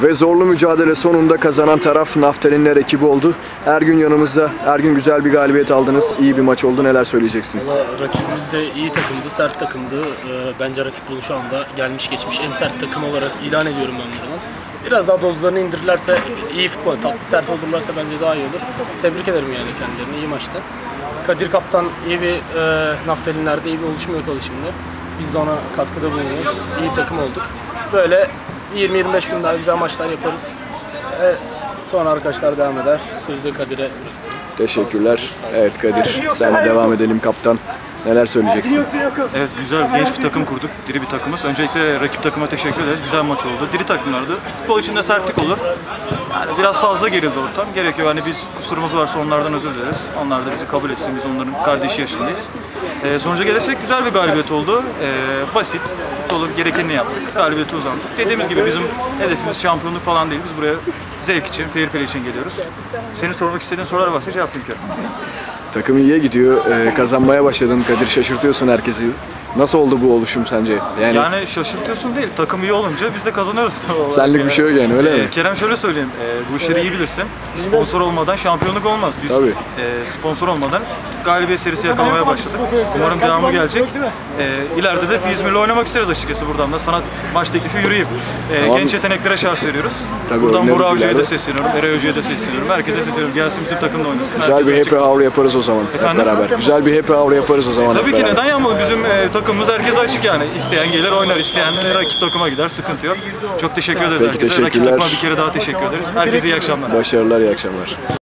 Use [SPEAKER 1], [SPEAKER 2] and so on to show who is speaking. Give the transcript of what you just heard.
[SPEAKER 1] Ve zorlu mücadele sonunda kazanan taraf Naftalinler ekibi oldu. Ergün yanımızda. Ergün, güzel bir galibiyet aldınız. İyi bir maç oldu. Neler söyleyeceksin?
[SPEAKER 2] Valla rakibimiz de iyi takımdı, sert takımdı. Bence rakip Bolu şu anda gelmiş geçmiş en sert takım olarak ilan ediyorum ben buradan. Biraz daha dozlarını indirirlerse, iyi futbol, tatlı sert olurlarsa bence daha iyi olur. Tebrik ederim yani kendilerini, iyi maçtı. Kadir Kaptan iyi bir Naftalinler'de iyi bir oluşum yakaladı şimdi. Biz de ona katkıda bulunuyoruz. İyi takım olduk. Böyle 20-25 gün daha güzel maçlar yaparız. Sonra arkadaşlar devam eder. Sözü de Kadir'e.
[SPEAKER 1] Teşekkürler. Evet Kadir, sen devam edelim kaptan. Neler söyleyeceksin?
[SPEAKER 3] Evet, güzel, genç bir takım kurduk, diri bir takımız. Öncelikle rakip takıma teşekkür ederiz. Güzel maç oldu. Diri takımlardı. Futbol içinde sertlik olur. Yani biraz fazla gerildi ortam. Gerekiyor. Hani biz kusurumuz varsa onlardan özür dileriz. Onlar da bizi kabul etsin. Biz onların kardeşi yaşındayız. Sonuca gelirsek güzel bir galibiyet oldu. Basit. Futbolun gerekenini yaptık. Galibiyeti uzandık. Dediğimiz gibi bizim hedefimiz şampiyonluk falan değil. Biz buraya zevk için, fair play için geliyoruz. Senin sormak istediğin sorular varsa cevaplayayım ki.
[SPEAKER 1] Takım iyiye gidiyor. Kazanmaya başladın Kadir. Şaşırtıyorsun herkesi. Nasıl oldu bu oluşum sence?
[SPEAKER 3] Yani şaşırtıyorsun değil, takım iyi olunca biz de kazanıyoruz.
[SPEAKER 1] Senlik bir şey yok yani, öyle mi?
[SPEAKER 3] Kerem, şöyle söyleyeyim, bu işleri iyi bilirsin. Sponsor olmadan şampiyonluk olmaz. Biz sponsor olmadan galibiyet serisi yakalamaya başladık. Umarım devamı gelecek. İleride de İzmir'le oynamak isteriz açıkçası buradan da. Sana maç teklifi yürüyeyim. Genç yeteneklere şans veriyoruz. Buradan Burak Hoca'ya da sesleniyorum, Eray Hoca'ya da sesleniyorum. Herkese sesleniyorum, gelsin bizim takımda oynasın.
[SPEAKER 1] Güzel bir happy hour yaparız o zaman hep beraber. Güzel bir happy hour yaparız o zaman.
[SPEAKER 3] Tabii ki, neden yapmalı? Bizim takımımız herkese açık yani. İsteyen gelir oynar, isteyen rakip takıma gider, sıkıntı yok. Çok teşekkür ederiz herkese. Rakip takıma bir kere daha teşekkür ederiz. Herkese iyi akşamlar.
[SPEAKER 1] Başarılar, iyi akşamlar.